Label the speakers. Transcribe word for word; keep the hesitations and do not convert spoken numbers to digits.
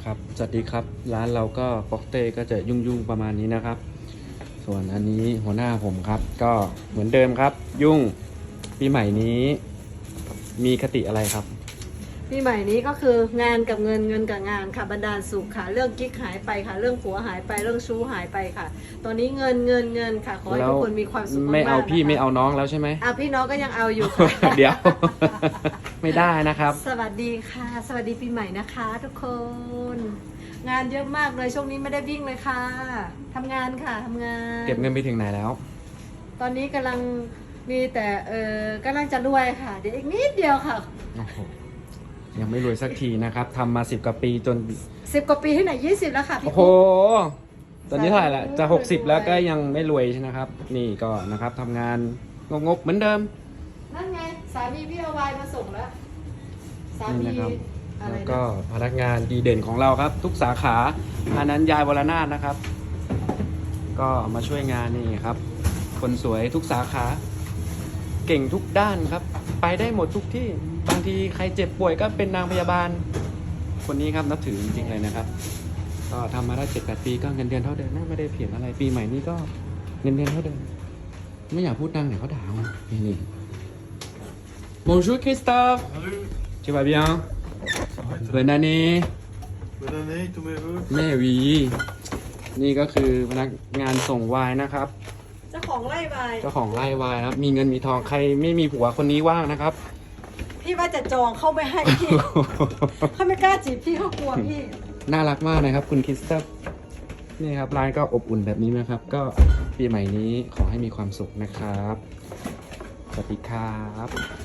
Speaker 1: ครับสวัสดีครับร้านเราก็ฟอกเต้ก็จะยุ่งๆประมาณนี้นะครับส่วนอันนี้หัวหน้าผมครับก็เหมือนเดิมครับยุ่งปีใหม่นี้มีคติอะไรครับ
Speaker 2: ปีใหม่นี้ก็คืองานกับเงินเงินกับงานค่ะบันดาลสุขค่ะเรื่องกิ๊กหายไปค่ะเรื่องผัวหายไปเรื่องชู้หายไปค่ะ ตอนนี้เงินเงินเงินค่ะขอให้ทุกคนมีความสุขมากๆ
Speaker 1: ไม่เอาพี่
Speaker 2: นะคะ
Speaker 1: ไม่เอาน้องแล้วใช่ไหม
Speaker 2: อ่ะพี่น้องก็ยังเอาอยู่ค่ะ
Speaker 1: เดี๋ยว ไม่ได้นะครับ
Speaker 2: สวัสดีค่ะ สวัสดีปีใหม่นะคะ ทุกคน งานเยอะมากเลยช่วงนี้ไม่ได้วิ่งเลยค่ะทำงานค่ะทำงาน
Speaker 1: เก็บเงินไปถึงไหนแล้ว
Speaker 2: ตอนนี้กำลังมีแต่เออกำลังจะรวยค่ะเดี๋ยวอีกนิดเดียวค่ะ
Speaker 1: โอ้โหยังไม่รวยสักทีนะครับทำมาสิบกว่าปีจน
Speaker 2: สิบกว่าปีที่ไหนยี่สิบแล้วค่ะพี่
Speaker 1: โอ้โห ตอนนี้เท่าไหร่ละจะหกสิบ
Speaker 2: รวย
Speaker 1: แล้วก็ยังไม่รวยใช่ไหมครับ นี่ก็นะครับทำงานงกๆเหมือนเดิม
Speaker 2: นั่นไงสามีพี่เอาไวน์มาส่งแล้วสา
Speaker 1: นี่
Speaker 2: มี
Speaker 1: นะครับ
Speaker 2: อะไร
Speaker 1: แล้ว
Speaker 2: นะ
Speaker 1: ก็พนักงานดีเด่นของเราครับ ทุกสาขาอันนั้นยายวรนาถนะครับ ก็มาช่วยงานนี่ครับ คนสวยทุกสาขา เก่งทุกด้านครับ ไปได้หมดทุกที่บางทีใครเจ็บป่วยก็เป็นนางพยาบาล คนนี้ครับนับถือจริงๆเลยนะครับ ก็ทำมาได้เจ็ดแปดปีก็เงินเดือนเท่าเดิมไม่ได้เปลี่ยนอะไรปีใหม่นี้ก็เงินเดือนเท่าเดิมไม่อยากพูดดังเดี๋ยวเขาด่าเอานี่นี่ Bonjour Christophe
Speaker 3: Salut,
Speaker 1: tu vas bien
Speaker 3: ça va être
Speaker 1: Bonne année
Speaker 3: bonne année, tous mes voeux.
Speaker 1: แม่วี นี่ก็คือพนักงานส่งไวน์นะครับ
Speaker 2: เจ้าของไร่ไวน์
Speaker 1: เจ้าของไร่ไวน์นะครับ มีเงินมีทองใครไม่มีผัวคนนี้ว่างนะครับ
Speaker 2: พี่ว่าจะจองเข้าไม่ให้พี่ เขาไม่กล้าจีบพี่เขากลัวพี่
Speaker 1: น่ารักมากนะครับคุณคริสตัฟนี่ครับร้านก็อบอุ่นแบบนี้นะครับ ก็ปีใหม่นี้ขอให้มีความสุขนะครับ สวัสดีครับ